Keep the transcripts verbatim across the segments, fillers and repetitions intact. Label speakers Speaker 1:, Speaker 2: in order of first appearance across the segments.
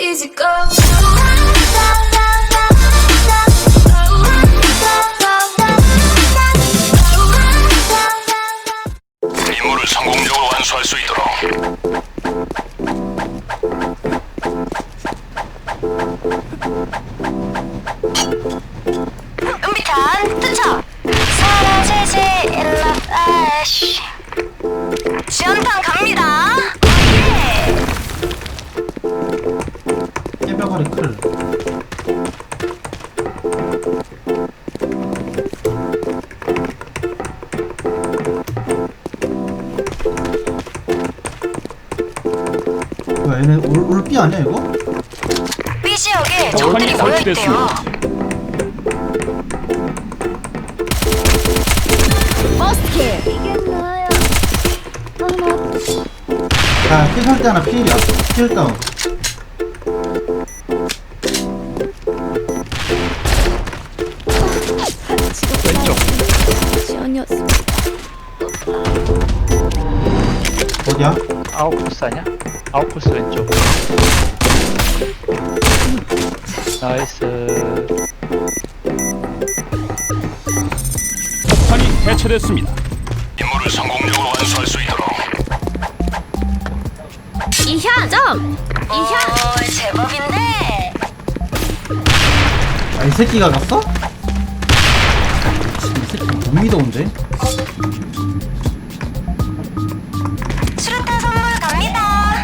Speaker 1: easy go.
Speaker 2: 임무를 성공적으로 완수할 수 있도록.
Speaker 3: 은비탄 투척 사라지지 일러 아쉬 지원탄 갑니다. 예.
Speaker 4: 깨벽아리 클. 뭐야 얘네 올, 올삐 아니야 이거?
Speaker 3: B 지역에 적들이 모여있대요. 버스트 이게 뭐야?
Speaker 4: 야 피살 때 하나 피일이야. 피일 다운.
Speaker 1: 지원이었습니다.
Speaker 4: 어디야?
Speaker 5: 아웃코스 아니야? 아웃코스 왼쪽. 나이스.
Speaker 2: 폭탄이 해체됐습니다. 임무를 성공적으로 완수할 수 있도록.
Speaker 1: 이현 점. 이현.
Speaker 3: 오 제법인데.
Speaker 4: 아 이 새끼가 갔어? 이 새끼 못 믿어온데?
Speaker 3: 수류탄 선물 갑니다.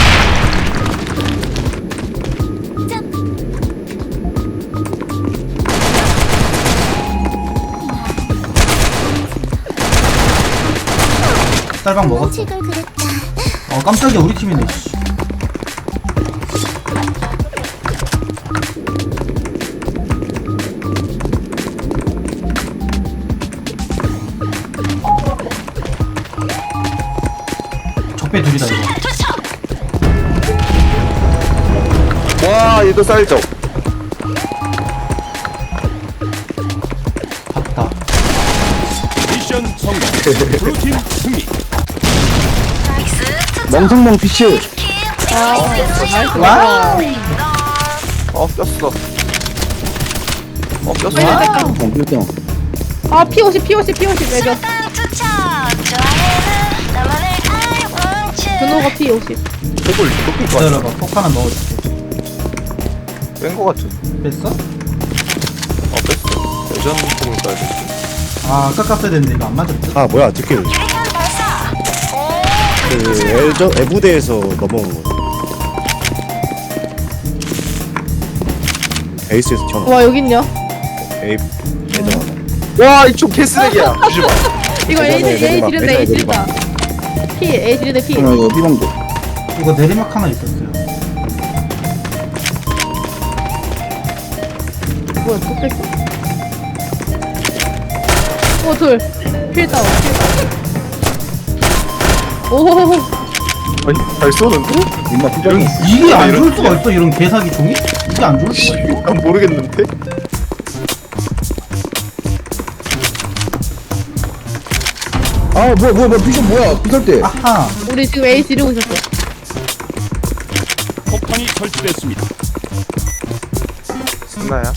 Speaker 4: 쌀방 먹었어. 어 깜짝이야 우리 팀이네. 씨. 적배 둘이다 이거.
Speaker 3: 투척
Speaker 6: 와 얘도 쌀적.
Speaker 4: 봤다.
Speaker 2: 미션 성공. 블루팀 승리.
Speaker 3: 나이스 투척
Speaker 6: 멍성멍 피쉬.
Speaker 4: 와우.
Speaker 6: 어 꼈어. 어 꼈어.
Speaker 4: 와우.
Speaker 6: 어
Speaker 7: 아 피오십 피오십 피오십 매겨
Speaker 3: 수류탄 투척 좋아해는 나만을 알원치
Speaker 7: 분호가 피오십
Speaker 6: 폭을 높일 거 같아.
Speaker 4: 기다려봐. 폭 하나 넣어줄게.
Speaker 6: 뺀거 같아.
Speaker 4: 뺐어?
Speaker 6: 어 뺐어. 예전 폭을 까야 돼.
Speaker 4: 아 깎았어야 되는데 이거 안 맞을 듯.
Speaker 8: 아 뭐야 디킬
Speaker 3: 유리탄 발사
Speaker 8: 그 엘저 에부대에서 넘어온 거 베이스에서 튀어나와
Speaker 7: 와 여깄냐
Speaker 8: 에이 예전 하나
Speaker 6: 와 이쪽 개쓰레기야. 주지 마.
Speaker 7: 이거 A
Speaker 8: 예전에
Speaker 7: A
Speaker 8: 내리막,
Speaker 7: 지른다 A
Speaker 8: 예전에
Speaker 7: 지른다 P A 지른다 P
Speaker 6: 이거 비방도.
Speaker 4: 이거 내리막 하나 있었어요.
Speaker 7: 뭐야 또 뺐어 오둘 필다운 오호호호
Speaker 6: 아니 잘 쏘는데? 임마 비장이.
Speaker 4: 이게 안 좋을 수가 있어 이런 개사기 종이? 이게 안 좋을 수가 있어?
Speaker 6: 난 모르겠는데. 아 뭐야 뭐야 뭐야 비전 뭐야 비설 때.
Speaker 4: 아하.
Speaker 7: 우리 지금 A 지르고 있었어
Speaker 2: 폭탄이 설치됐습니다.
Speaker 6: 승나야?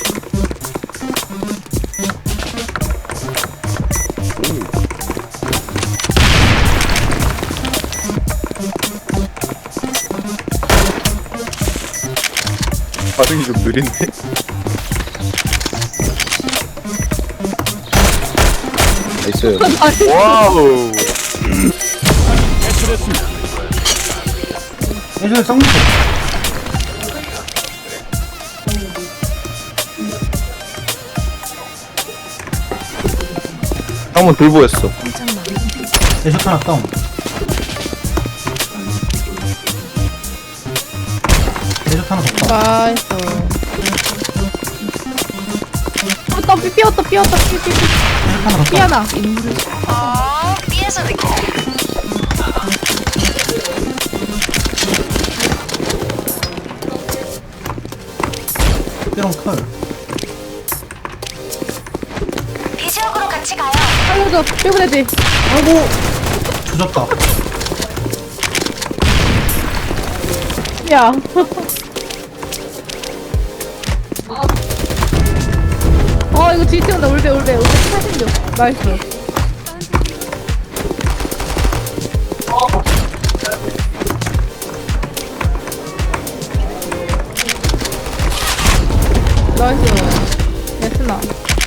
Speaker 6: 반응이 좀 느린데? 나이스. 와우.
Speaker 2: 해체됐습니다.
Speaker 4: 예전에 쌍꺼.
Speaker 6: 한번 들보였어.
Speaker 4: 대셔 하나 다운. 대셔 하나 더 다운.
Speaker 7: 나이스 어, 삐 삐었다 삐었다 삐삐삐
Speaker 4: 대셔 하나 더
Speaker 7: 삐
Speaker 4: 다운.
Speaker 7: 하나
Speaker 3: 어 B에서도 있고
Speaker 4: 삐롱 컬.
Speaker 3: B 지역으로 같이 가요.
Speaker 7: 살려줘 삐보내지
Speaker 4: 아이고. 조졌다.
Speaker 7: 야 이거 뒤에 온다. 올배 올배 올배 팔십육. 나이스. 나이스. 예스나.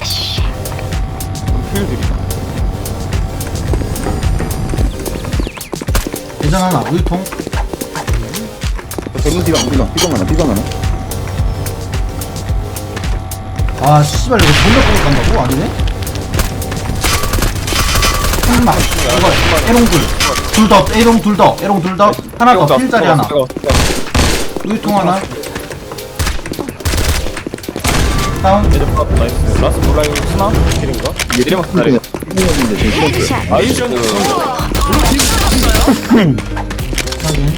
Speaker 4: 대전 하나 우유통.
Speaker 6: 대문 비방 비방 비방 하나 비방 하나.
Speaker 4: 아 씨발 이거 존나 뽕 간다고? 아니네? 한마 이거 에롱 둘둘더 에롱 둘더 에롱 둘더 하나 더 필자리 하나 우유통 하나 다운
Speaker 8: 나이스. 라스 몰라요. 스나? 길인가?
Speaker 6: 얘들이 기다려. 비방인데 지금 비방.
Speaker 2: 미션 성공. 블루팀 승리.
Speaker 4: 확인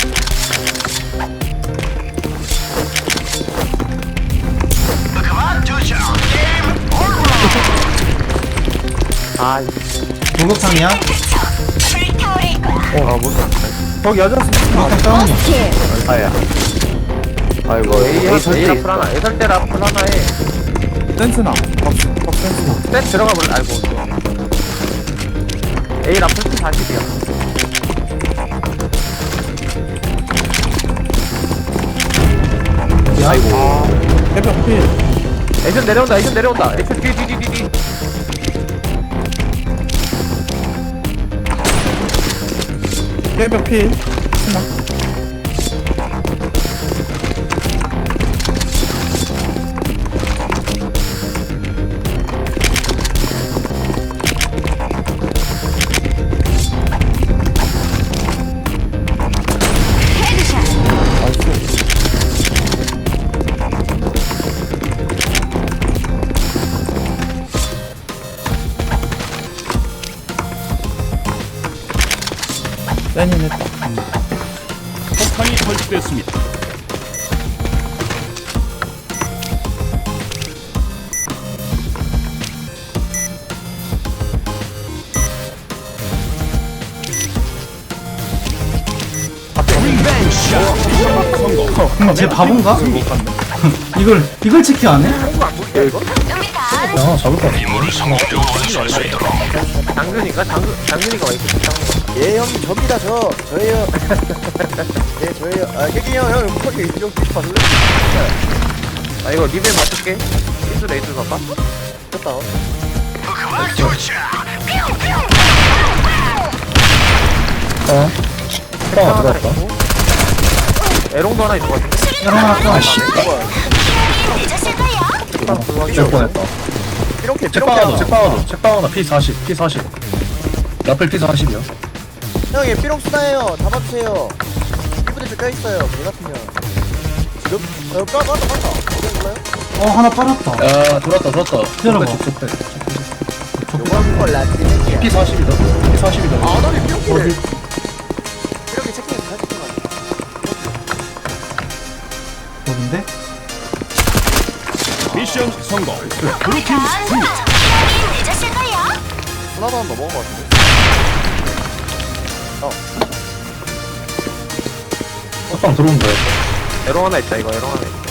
Speaker 5: 아
Speaker 4: 목욕탕이야?
Speaker 3: 불타오를 거야.
Speaker 5: 어, 아, 못
Speaker 6: 거기 여자
Speaker 4: 목욕탕 다운이야
Speaker 5: 아야. 아이고, A, A, A 라플 하나, A 설대 라플 하나에
Speaker 6: 센스나. 박 센스나.
Speaker 5: 셋 들어가 볼래? 아이고. A 라플 사십이야.
Speaker 4: 아이고
Speaker 6: 해병 필.
Speaker 5: 액션 내려온다, 액션 내려온다. 액션 뒤, 뒤, 뒤, 뒤, 뒤.
Speaker 6: 해병 필. 센인 했다.
Speaker 2: 폭탄이 설치됐습니다. 리벤지 샷. 미션 성공.
Speaker 4: 쟤 바본가? 이걸 이걸 체크 안 해?
Speaker 6: 야 잡을 것 같아.
Speaker 2: 임무를 성공적으로 완수할 수 있도록.
Speaker 5: 장근이가? 장근, 장근이가 와 있겠지, 장근.
Speaker 8: 예, 형님, 접니다, 저. 저예요. 예, 저예요. 아, 혜진이 형, 형, 거기 좀 봐줄래?
Speaker 5: 아, 이거 리벨 맞출게. 이수 레이스 봐봐.
Speaker 8: 됐다.
Speaker 6: 어? 하나 들어왔다.
Speaker 5: 에롱도 하나 있는 것 같은데?
Speaker 4: 에롱 하나 더
Speaker 8: 아씨.
Speaker 3: 늦었을 거야.
Speaker 6: 줄 뻔했다.
Speaker 8: 이렇게,
Speaker 6: 책방하다 책방하다 책방하다 피 사십 피 사십. 라플 피 사십이야.
Speaker 8: 형, 얘 삐롱 수다예요. 잡아주세요. 피부대 좀 껴있어요. 개 같으면. 지금? 어, 까, 까다, 까다. 어디 몰라요?
Speaker 4: 어 하나 빠졌다
Speaker 6: 야 돌았다 돌았다.
Speaker 4: 기다려봐.
Speaker 8: 요건 걸 낫지, 새끼야.
Speaker 6: 피 사십이다. 피 사십이다.
Speaker 8: 아, 너네 삐롱 끼를.
Speaker 4: 어디?
Speaker 8: 이렇게 체킹해서 갈 수 있는 거 아니야?
Speaker 4: 어딘데?
Speaker 2: 미션 성공. 블루팀 승리.
Speaker 3: 늦었을 거야.
Speaker 8: 하나도 안 넘어간 거 같은데?
Speaker 6: 첫방 들어온다.
Speaker 5: 에롱 하나 있다, 이거 에롱 하나 있다.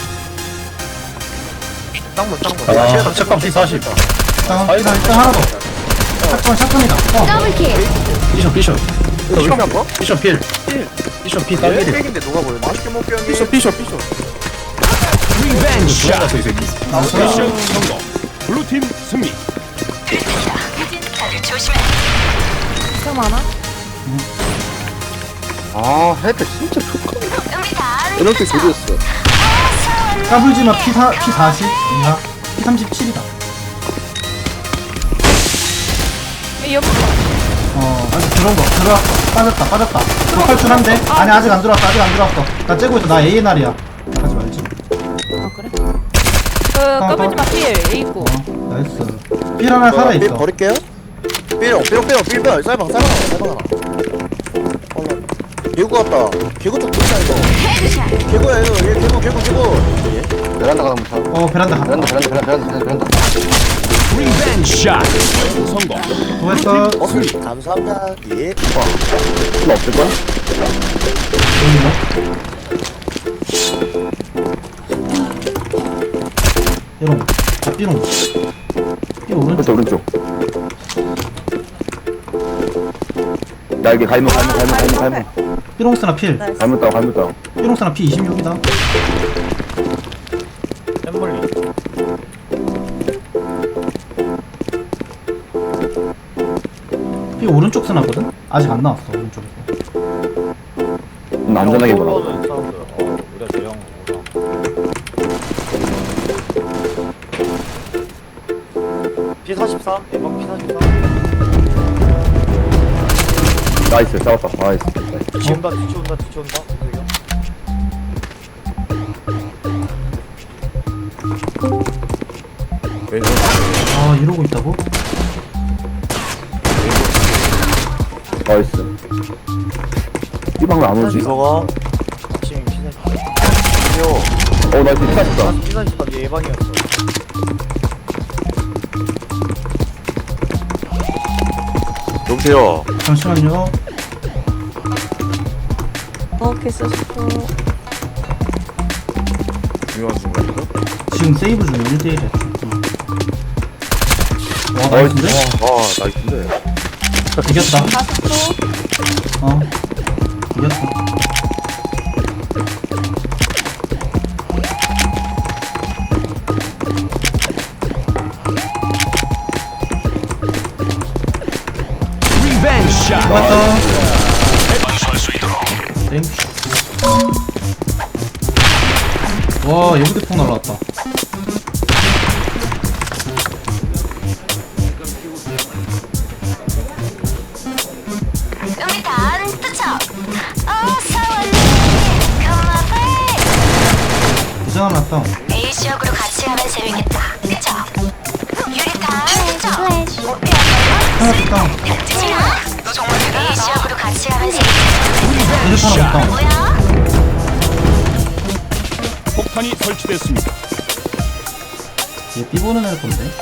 Speaker 5: 쌍문, 쌍문.
Speaker 6: 아 책방 피 사십.
Speaker 4: 다운 일단 일단 하나 더 샷건 샷건이다 어
Speaker 1: 더블킬.
Speaker 6: 비숍 비숍.
Speaker 5: 이거 왜 이렇게 안 봐?
Speaker 6: 비숍 필. 비숍 피
Speaker 5: 얘
Speaker 6: 딸기리.
Speaker 5: 백인데 누가 보여?
Speaker 8: 맛있게 먹게 형님.
Speaker 6: 비숍 비숍 비숍.
Speaker 2: 리벤지 샷.
Speaker 6: 돌아갔어 이 새끼.
Speaker 4: 나오서
Speaker 2: 미션 성공. 블루팀 승리.
Speaker 3: 다들 조심해.
Speaker 7: 참 많아?
Speaker 6: 아 헤드 진짜 좋다.
Speaker 3: 우리 다
Speaker 6: 이렇게 조졌어.
Speaker 4: 까불지마 피 사 피 사십 이하 피 삼십칠이다
Speaker 7: 이 옆에
Speaker 4: 어 아직 들어온 거 들어왔어 빠졌다 빠졌다 lokal 출한데 아니 아직 안 들어왔어 아직 안 들어왔어 나 째고 있어 나 에이엔알이야 하지 말지
Speaker 7: 아 그래? 그 까불지마 필 A 있고.
Speaker 4: 어 나이스 필 하나 살아있어
Speaker 8: 버릴게요. 삐롱, 삐롱, 삐롱, 삐롱. 쌀방, 쌀방 하나, 쌀방 하나. 어, 개구 같다. 개구 쪽 좋다, 이거. 개구야, 이거. 얘 개구, 개구, 개구.
Speaker 6: 베란다 가면 차.
Speaker 4: 어 베란다 간다
Speaker 6: 베란다 베란다 베란다 베란다.
Speaker 2: 리벤지 샷. 성공.
Speaker 4: 수고했어
Speaker 8: 어, 감사합니다. 예.
Speaker 6: 필요 없을 거야?
Speaker 4: 삐롱 아 삐롱 오른쪽.
Speaker 5: 오른쪽 날개 갈문 갈문 갈문 갈문 갈문
Speaker 4: 삐롱스나 필.
Speaker 5: 갈문 따고 갈문 따고
Speaker 4: 삐롱스나 피 이십육이다.
Speaker 8: 샘물리.
Speaker 4: 피 오른쪽 스나거든? 아직 안 나왔어 오른쪽에서.
Speaker 5: 좀 안전하게 보라
Speaker 8: 사운드. 어, 우리가 대형 거구나. 피 사십삼? 에방 피 사십삼?
Speaker 5: 나이스 싸웠다 나이스 나이스.
Speaker 8: 뒤치온다, 뒤치온다, 뒤치온다. 왼손.
Speaker 4: 아 이러고 있다고?
Speaker 5: 나이스 이 방금 안 오지?
Speaker 8: 이서가 지금 피 사십삼.
Speaker 5: 어 나이스 피사했다
Speaker 8: 피 사십삼 얘 예방이었어. 여보세요.
Speaker 4: 잠시만요.
Speaker 7: 어 개쓰시고.
Speaker 8: 중요한 순간이죠?
Speaker 4: 지금 세이브 중에 일 대 일이야. 와
Speaker 5: 나이스
Speaker 4: 나이스인데?
Speaker 8: 아, 나이스인데.
Speaker 4: 이겼다.
Speaker 7: 다섯 초.
Speaker 4: 어 이겼어.
Speaker 2: 리벤지 샷.
Speaker 4: 맞다. 땡. 와 예부대폭 날라왔다.
Speaker 3: 유리탄 투척. 어서 올래. 그만해.
Speaker 4: 이상 하나 났다.
Speaker 3: A 지역으로 같이 가면 재밌겠다. 그쵸? 유리탄 투척.
Speaker 4: 하나 됐다.
Speaker 3: A 지역으로 같이 가면 재밌겠다.
Speaker 4: 이제 하나 됐다.
Speaker 3: 뭐야?
Speaker 2: 폭탄이 설치됐습니다.
Speaker 4: 얘 삐보는 애 건데.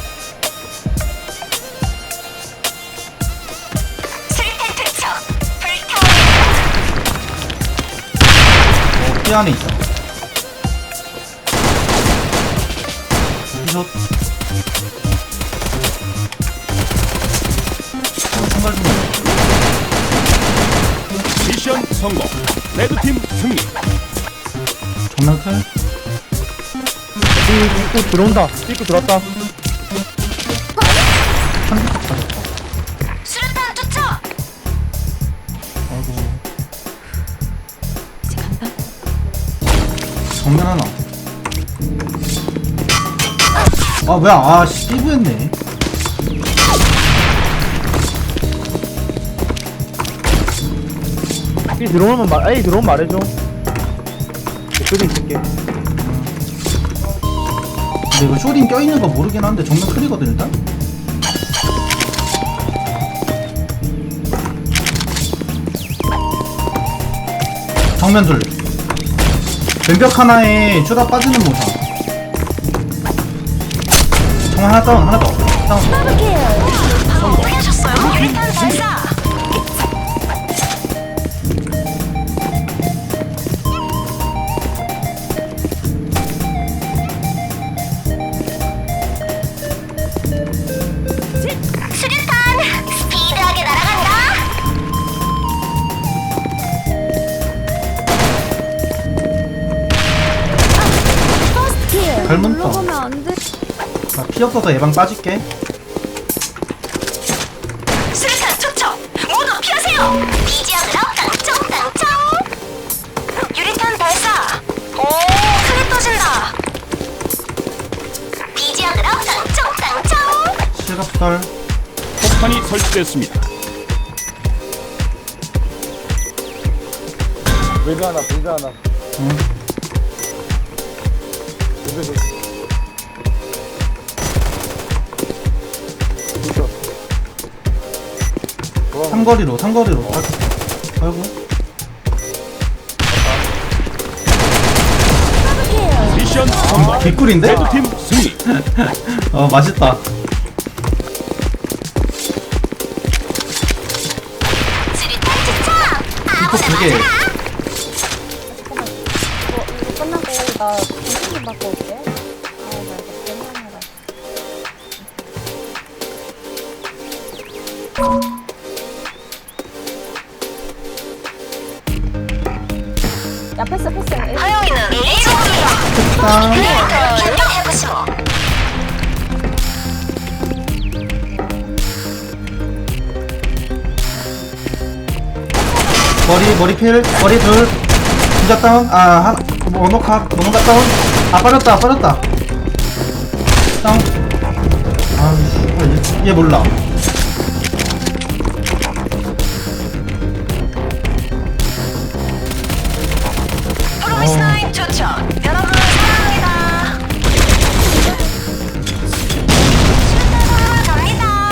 Speaker 3: 수리탄 투척. 불타오르.
Speaker 4: 어, 삐 안에 있다. 삐숏. 어, 총갈 좀.
Speaker 2: 미션 성공. 레드팀 승리.
Speaker 4: 정면클.
Speaker 6: 입구 들어온다 입구 들어왔다
Speaker 4: 한대 빠졌다.
Speaker 3: 수류탄 투척.
Speaker 4: 아이고. 정면 하나. 아 뭐야? 아씨 삐부했네.
Speaker 6: 이 들어오면 말 에이 들어오면 말해줘 그쪽에 있을게
Speaker 4: 근데 이거 쇼딩 껴있는 거 모르긴 한데 정면 클이거든 일단? 정면 둘 왼벽 하나에 쇼다 빠지는 모사. 정면 하나 다운 하나 더 다운.
Speaker 3: 보여줬어요. 유리탄 발사. 수류탄 스피드하게 날아간다.
Speaker 4: 갈문 떠.
Speaker 7: 올라가면 안 돼.
Speaker 4: 나 피 없어서 예방 빠질게.
Speaker 3: 수류탄 투척. 모두 피하세요. 비지역으로 깡총깡총. 유리탄 발사. 오, 크게 터진다. 비지역으로 깡총깡총.
Speaker 4: 실각설.
Speaker 2: 폭탄이 설치됐습니다.
Speaker 8: 외부 하나, 불배 하나.
Speaker 4: 응. 삼거리로 삼거리로. 아이고.
Speaker 2: 미션 성공.
Speaker 4: 개꿀인데?
Speaker 2: 레드팀 승리.
Speaker 4: 어 맛있다.
Speaker 3: 수류탄 투척.
Speaker 4: 이거 되게
Speaker 7: 이거 끝나고 나 정신 좀 바꿔 올게. 아, 나 이거 때문에. 야 패스 패스. 에이,
Speaker 3: 허영이는 일본이야.
Speaker 4: 다운.
Speaker 3: 변경해보시오.
Speaker 4: 머리 머리 필 머리 둘 진짜 다운. 아 한, 원호카 원호카 다운. 아 빠졌다 빠졌다. 다운. 아이씨 얘, 얘 몰라.
Speaker 3: 프로미스나인 추천. 여러분 사랑합니다. 슈퍼 갑니다.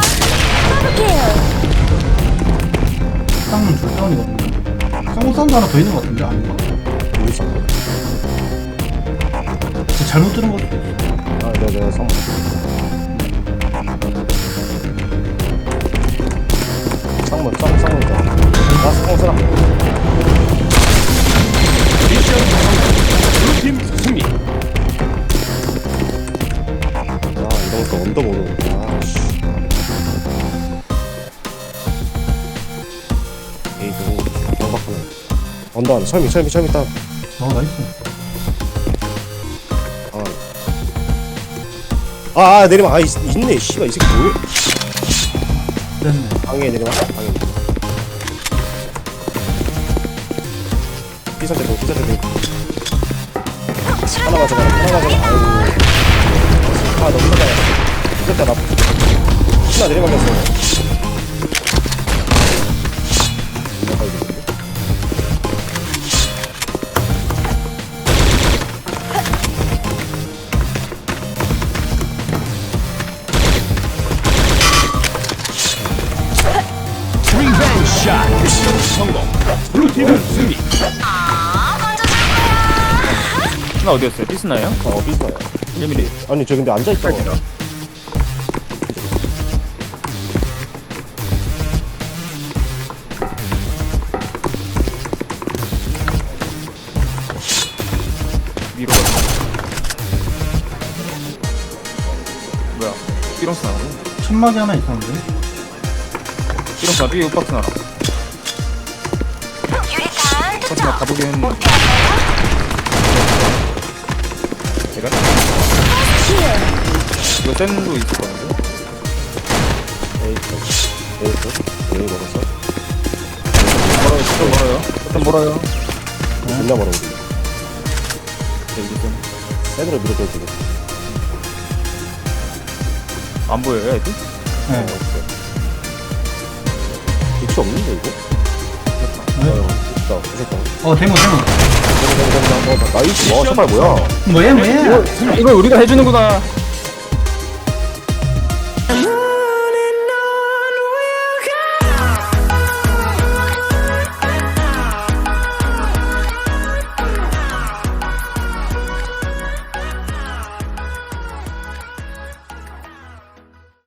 Speaker 4: 쌍문 둘 다운이거든요. 쌍문 사운드 하나 더 있는 것 같은데 아닌가?
Speaker 5: 우리 쌍문.
Speaker 4: 진짜 잘못 들은 것도 있어.
Speaker 5: 아, 내가 내가 쌍문. 쌍문, 쌍문, 쌍문 있다. 나 쌍문 쓰라.
Speaker 2: 미션 성공. 블루팀 승리.
Speaker 5: 아, 이런 거 언더 모르는구나. 씨. 에이, 저거 경박하네. 언더 안에 철미, 철미, 철미 땅.
Speaker 4: 어 나이스.
Speaker 5: 아, 아, 아 내리막. 아, 있, 있네. 씨발, 이 새끼 뭐야?
Speaker 4: 됐네.
Speaker 5: 방해 내리막. 방해 내리막. 피사 대고, 피사 대고. 하나 가져가, 하나 가져가. 아이고. 아, 너무 크다. 됐다, 나. 하나 내리막이었어.
Speaker 2: 리벤 샷. 미션 성공. 블루팀 승리.
Speaker 9: 나 어디였어요? 피스나요?
Speaker 5: 어, 피사야.
Speaker 9: 일 미리.
Speaker 5: 아니, 저 근데 앉아있다.
Speaker 9: 위로 갔어. 뭐야? 삐롱스 나오네.
Speaker 4: 천막이 하나 있었는데.
Speaker 9: 삐롱스 나 삐 박스 나라.
Speaker 3: 유리탄
Speaker 9: 박스 나
Speaker 3: 투척.
Speaker 9: 가보긴 했는데. 제가? 이거 쌤도 있을 거는데?
Speaker 5: 에이스. 에이스. 에이, 먹었어.
Speaker 9: 멀어요, 진짜 멀어요. 일단 멀어요.
Speaker 5: 존나 멀어, 우리.
Speaker 9: 네, 이제 쌤.
Speaker 5: 애들을 밀어줘, 지금.
Speaker 9: 안 보여요, 애들?
Speaker 4: 네.
Speaker 5: 위치 없는데, 이거?
Speaker 4: 네.
Speaker 5: 어, 있다. 무섭다.
Speaker 4: 어 대문 대문.
Speaker 5: 나이스. 와, 정말 뭐야?
Speaker 4: 뭐야 뭐야?
Speaker 9: 이걸 우리가 해주는구나.